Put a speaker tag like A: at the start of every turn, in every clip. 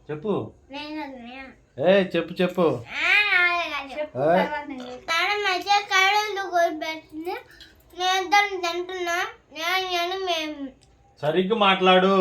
A: చెప్పు ఏ చెప్పు చెప్పు సరిగ్గా మాట్లాడు.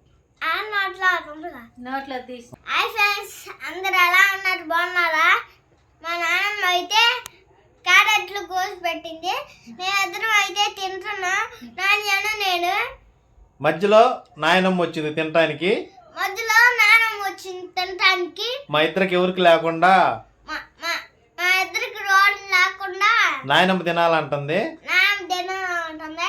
B: నోట్లో తీసి
C: అందరు ఎలా ఉన్నారు, బాగున్నారా? మా నాన్నమ్మ అయితే క్యారెట్లు కోసి పెట్టింది, మేమిద్దరం అయితే తింటున్నా. నేను
A: మధ్యలో నాయనమ్మ వచ్చింది తినటానికి,
C: మధ్యలో నాన్నమ్మ వచ్చింది తినటానికి.
A: మా ఇద్దరికి ఎవరికి లేకుండా
C: మా ఇద్దరికి రోడ్లు లేకుండా
A: నాయనమ్మ తినాలంటుంది.
C: నాన్నమ్మ తినాలంటుంది.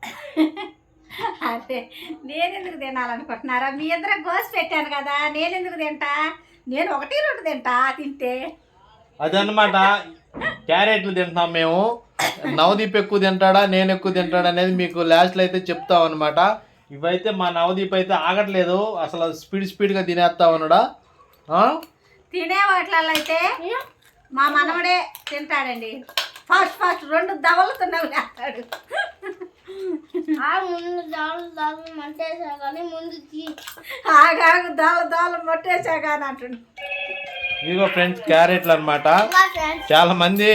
B: అదే నేనెందుకు తినాలనుకుంటున్నారా? మీ ఇద్దరు కోసి పెట్టాను కదా, నేనెందుకు తింటా? నేను 1-2 తింటా తింటే.
A: అదనమాట, క్యారెట్లు తింటున్నాం మేము. నవదీప్ ఎక్కువ తింటాడా నేను ఎక్కువ తింటాడా అనేది మీకు లాస్ట్లో అయితే చెప్తాం అనమాట. ఇవైతే మా నవదీప్ అయితే ఆగట్లేదు, అసలు స్పీడ్గా తినేస్తా ఉన్నాడా.
B: తినే వాటిలలో అయితే మా మనవడే తింటాడండి. ఫాస్ట్ 2 దవలుతున్నావు లేస్తాడు.
C: ముందు దాలు మంటేసా కానీ ముందు
B: ఆగాగు దాలు మొట్టేసా కానీ అంటుండు.
A: ఇదిగో ఫ్రెండ్స్ క్యారెట్లు అనమాట. చాలా మంది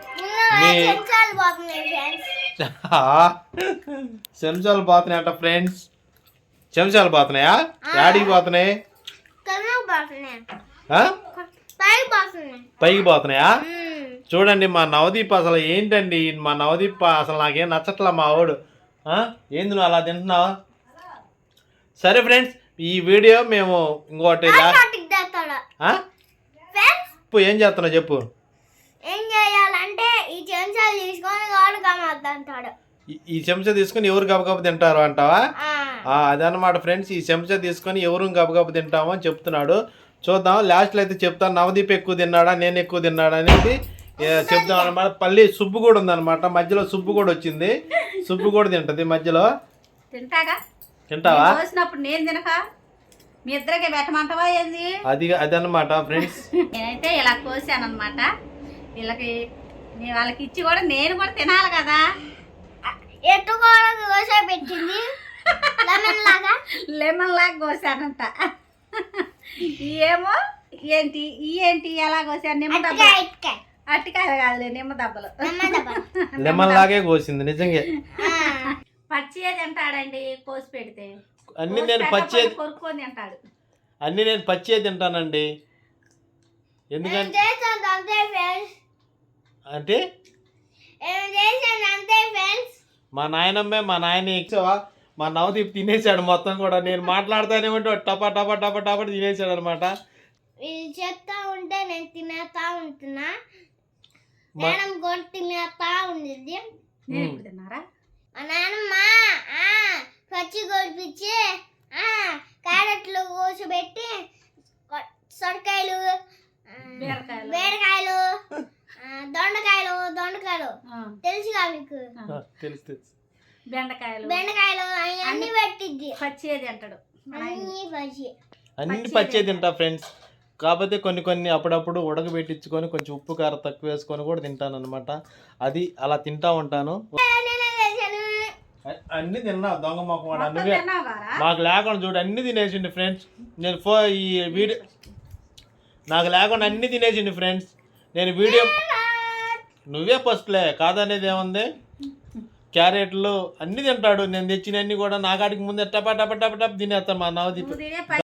A: చెంచాలు పోతున్నాయట ఫ్రెండ్స్. చెంచాలు పోతున్నాయా? యాడికి పోతున్నాయి? పైకి పోతున్నాయా? చూడండి మా నవదీప్ అసలు ఏంటండి, మా నవదీప్ అసలు నాకేం నచ్చట్లా మా వాడు. ఏంది నువ్వు అలా తింటున్నావా? సరే ఫ్రెండ్స్, ఈ వీడియో మేము ఇంకోటి ఏం చేస్తున్నావు చెప్పు.
C: ఏం చేయాలంటే ఈ చెంచాలు తీసుకొని వాడుకోమంటాడు.
A: ఈ చెంచా తీసుకొని ఎవరు గబగబ తింటారు అంటావా? అదనమాట ఫ్రెండ్స్, ఈ చెంచా తీసుకొని ఎవరు గబగబ తింటామో అని చెప్తున్నాడు. చూద్దాం లాస్ట్లో అయితే చెప్తాను. నవదీప్ ఎక్కువ తిన్నాడా నేను ఎక్కువ తిన్నాడా అనేది చెప్తాం అనమాట. పల్లి సుబ్బు కూడా ఉందన్నమాట, మధ్యలో సుబ్బు కూడా వచ్చింది. సుబ్బు కూడా తింటది మధ్యలో. తింటావా?
B: నేను తినక మీ ఇద్దరికి పెట్టమంటావా ఏంది?
A: అదనమాట ఫ్రెండ్స్.
B: నేనైతే ఇలా కోసాను అనమాట. వీళ్ళకి వాళ్ళకి ఇచ్చి కూడా నేను కూడా తినాలి కదా.
C: ఎటు కూడా కోసా పెట్టింది,
B: లెమన్ లాగా కోసానంట. ఏమో ఏంటి ఎలా కోసాను? నిమ్మ దెబ్బలు. అట్టికాయలు కాదులే, నిమ్మ దెబ్బలు.
A: లెమన్ లాగే కోసింది నిజంగా.
B: పచ్చియే తింటాడండి కోసి పెడితే.
A: అన్ని నేను పచ్చే
B: కొరుక్కొని తింటాడు.
A: అన్ని నేను పచ్చే తింటానండి. ఎందుకంటే అంటే మా నాయనమ్మే మా నాయన ఇచ్చావా, మా నవదీప్ తినేసాడు మొత్తం కూడా. నేను మాట్లాడుతానే ఉంటే టపా టపా టపా టపా తినేసాడు అనమాట.
C: చెప్తా ఉంటే నేను తినేస్తా ఉంటున్నా, మేడం కూడా తినేస్తా ఉండేది.
B: తిన్నారా?
C: మా నాన్నమ్మ పచ్చి కొడిపించి క్యారెట్లు కోసిపెట్టి సొరకాయలు, బీరకాయలు, దొండకాయలు తెలుసుగా మీకు?
A: తెలుసు.
B: బెండకాయలు
C: అన్ని పెట్టిద్ది.
B: పచ్చేది అంటాడు.
A: అన్ని పచ్చే తింటా ఫ్రెండ్స్. కాకపోతే కొన్ని అప్పుడప్పుడు ఉడకబెట్టించుకొని కొంచెం ఉప్పు కారం తక్కువ వేసుకొని కూడా తింటాను అనమాట. అది అలా తింటా ఉంటాను. అన్ని తిన్నా దొంగ మొక్క వాడు. అందుకే మాకు లేకుండా చూడు అన్ని తినేసిండి ఫ్రెండ్స్. నేను ఈ వీడియో నాకు లేకుండా అన్ని తినేసిండి ఫ్రెండ్స్. నేను వీడియో నువ్వే ఫస్ట్లే కాదనేది ఏముంది. క్యారెట్లు అన్ని తింటాడు, నేను తెచ్చినన్ని కూడా. నాకాడికి ముందే టపా టపా టపా టప్ తినేస్తాను మా నవదీప్.